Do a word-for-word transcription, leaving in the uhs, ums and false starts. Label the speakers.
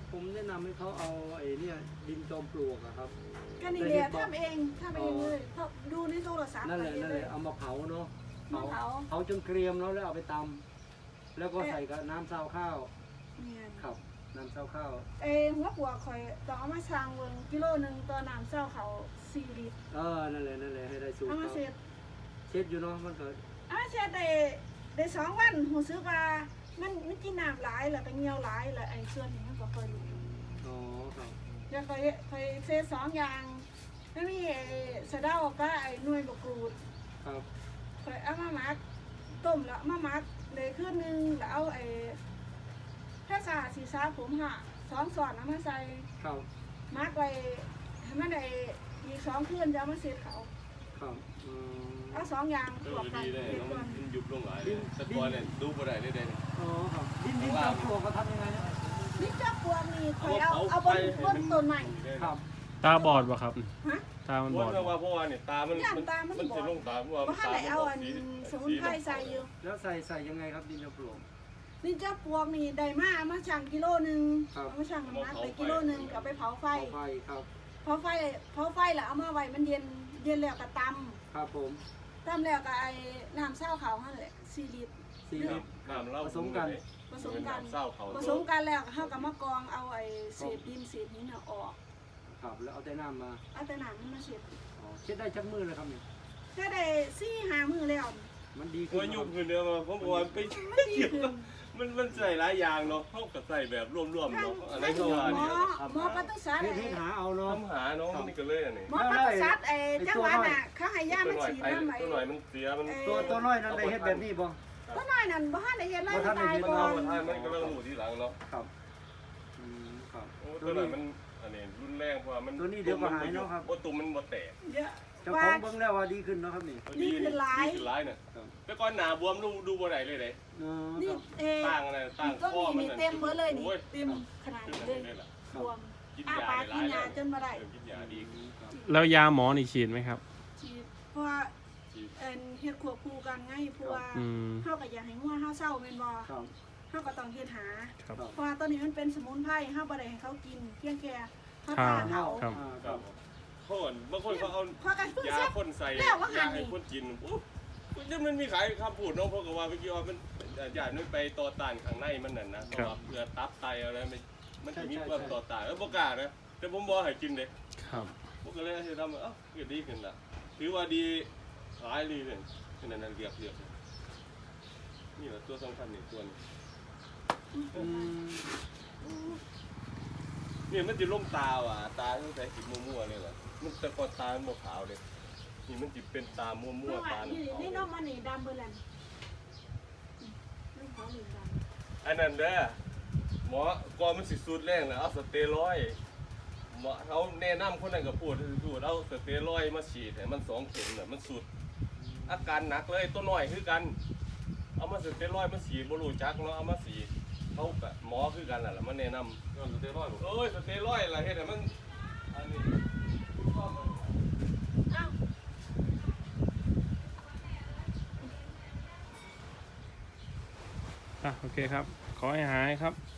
Speaker 1: ผมแนะนำให้เขาเอาไอ้เนี่ยดินจอมปลวกอะครับ
Speaker 2: ก็นี่แหละทำเองทำเองเลยเพราะดูในโทรศัพท์
Speaker 1: นั่นแหละนั่นแหละเอามาเผาเนาะเผาเผาจนเกรียมแล้วแล้วเอาไปตำแล้วก็ใส่กับน้ำซาวข้าวครับน้ำซาวข้าว
Speaker 2: เอหัวปัวคอยต้องเอามาช่างเบิ่งกิโลนึงต่อน้ำเจ้าเขาสี่ลิตร
Speaker 1: เออนั่นแหละนั่นแหละให้ได้สูตร
Speaker 2: เอามาเสร็จ
Speaker 1: เช็ดอยู่เนาะมันก็
Speaker 2: เอามาเสร็จได้ได้สองวันหูซื้อว่ามันมันกินน้ำหลายแล้วก็เหี่ยวหลายแล้วไอ้ส่วนนี้มันก็ค่อยรู้
Speaker 1: อ๋อครับ
Speaker 2: เดี๋ยวค่อยค่อยเสร็จสองอย่างแล้วมีไอ้สะเดาก็ไอ้หน่วยบกรูด
Speaker 1: ครับ
Speaker 2: ค่อยเอามาหมักต้มแล้วมาหมักเลยคืนนึงแล้วเอาไอ้ถ้าสาสีซาผมห่ะสองส่วนเอามาใส่
Speaker 1: ครับ
Speaker 2: มัดไว้ให้มันได้อีกสองคืนจะเอามาเสร็จเขา
Speaker 1: ครับ
Speaker 2: เอาสองอย่าง
Speaker 3: บวกกันมันยุบลงหลายแต่ก่อนเนี่ยดูบ่ได้เลยเด้
Speaker 1: อ๋อครับดินดินจอมปลวกเขาทำยังไงเนี่ย
Speaker 2: ดินจอมปลวกนี่คอยเอาเอาบนบนต้นใหม่
Speaker 1: ครับ
Speaker 4: ตาบอดป่ะครับ
Speaker 2: ฮะ
Speaker 4: ตามันบอด
Speaker 3: ว่าเพราะว่าเนี่ยตามันมันจะลงตาว่า
Speaker 2: ตาเอาอันสมุนไพรใส่อยู่
Speaker 1: แล้วใส่ใส่ยังไงครับดินจอมปลวก
Speaker 2: ดินจอมปลวกนี่ได้มามาชั่งกิโลนึงเอามาชั่งน้ำหนักไปกิโลนึงก็ไปเผาไฟ
Speaker 1: เผาไฟครับ
Speaker 2: เผาไฟเผาไฟแล้วเอามาไว้มันเย็นเย็นแล้วก็ตำ
Speaker 1: ครับผม
Speaker 2: ตำแล้วก็ไอ้น้ำเศร้าเขานั่นแหละสี่ลิตร
Speaker 1: สี่ลิตร
Speaker 3: น้ำเล่า
Speaker 1: ผสมกัน
Speaker 2: ผสมกันผสมกันแล้วเขาก็มากองเอาไอ้เศษดินเศษหินออก
Speaker 1: ครับแล้วเอาแต่น้ำมา
Speaker 2: เอาแต่น้ำมันมาเช็ด
Speaker 1: อ๋อเช็ดได้ชักมือเลยครับนี่
Speaker 2: แค่ได้สี่ห้ามือแล้ว
Speaker 1: มันดีขึ้
Speaker 3: นยุบขึ้นเดียวมาเพราะว่าไปเกี่ยวกับมันมันใส่หลายอย่างเนาะเขาก็ใส่แบบร่วมๆเนาะอะไรก็ว่า
Speaker 2: เนี่ยหมอปตุสัตว์
Speaker 1: เฮ็ดหาเอาเนาะ
Speaker 3: ทำหาเนาะนี่ก็เลยอันนี้
Speaker 2: หมอปตุสัตว์ไอ้จังหวัดน่ะเขาให้ยามาฉีดน้ำไหม
Speaker 3: ตัวหน่อยมันเสียมัน
Speaker 1: ตัวตัวน้อยนั่นได้เฮ็ดแบบนี้บ่
Speaker 2: ตัวน้อยนั่นบ่ทันได้เฮ็ดเลยตายก่อน
Speaker 3: มันก็เริ่มหูทีหลังเนาะ
Speaker 1: ครับอืมครับ
Speaker 3: ตัวหน่อยมันอันนี้รุนแรงเพราะว่ามัน
Speaker 1: ตัวนี้เดี๋ยวก็หายเนาะครับ
Speaker 3: ว่าตุ่มมันบ่แตก
Speaker 1: เจ้าของเบิ่งแล้วว่าดีขึ้นเนาะครับนี่
Speaker 2: ดีขึ้นหลาย
Speaker 3: ดีขึ้นหลายน่ะแต่ก่อนหน้าบวมดูดูบ่ได้เลยเด้
Speaker 2: นี่เอ่อ
Speaker 3: ตั้งอะไรตั้งคอมัน
Speaker 2: เต็มเบิดเลยนี่เต็มขนาดนี้เลยบวมอ้าปากกินยาจนบ่ได้
Speaker 3: กินยาดี
Speaker 4: แล้วยาหมอนี่ฉีดไหมครับ
Speaker 2: ฉีดเพราะว่าเอ็นเฮ็ดควบคู่กันไงเพราะว่าเฮาก็อยากให้งัวเฮาเศร้าแม่นบ่เฮาก็ต้องเฮ็ดหาเพราะว่าตอนนี้มันเป็นสมุนไพรเฮาบ่ได้ให้เขากินเพียงแค่เฮาทานเฮา
Speaker 3: ครับคนบางคนเขาเอายาคนใส่ยาให้คนกินปุ๊บมันมีขายคำพูดน้องเพราะว่าเมื่อกี้ว่ามันยาไม่ไปต่อต้านข้างในมันนั่นนะเพราะว่าเพื่อตับไตอะไรมันมันจะมีความต่อต้านแล้วบ่กล้านะแต่ผมบอกให้กินเลย
Speaker 4: ครับ
Speaker 3: ผมก็เลยให้ทำเอ้าเกิดดีขึ้นละถือว่าดีหลายดีเลยขนาดนั้นเรียบเรียบนี่แหละตัวสำคัญนี่ตัวนี้เนี่ยมันจะล่มตาว่ะตาตั้งแต่สีมั่วๆเลยเหรอมันแต่ก่อนตามันขาวเลยนี่มันจะเป็นตามั่วๆตา
Speaker 2: นี่นี่น้องมันนี่ดำเบอร์แลนด์
Speaker 3: อันนั้นเด้อหมอก่อนมันสิสูดแรงนะเอาสเตียรอยด์หมอเขาแนะนำคนนั้นก็พูดพูดเอาสเตียรอยด์มาฉีดให้มันสองเข็มน่ะมันสุดอาการหนักเลยตัวน้อยคือกันเอามาสเตียรอยด์มาฉีดบ่รู้จักเนาะเอามาฉีดเขากับหมอคือกันแหละมันแนะนำสเตียรอยด์เอ้ยสเตียรอยด์อะไรเฮ็ดให้มันอันนี้
Speaker 4: อ่ะโอเคครับขอให้หายครับ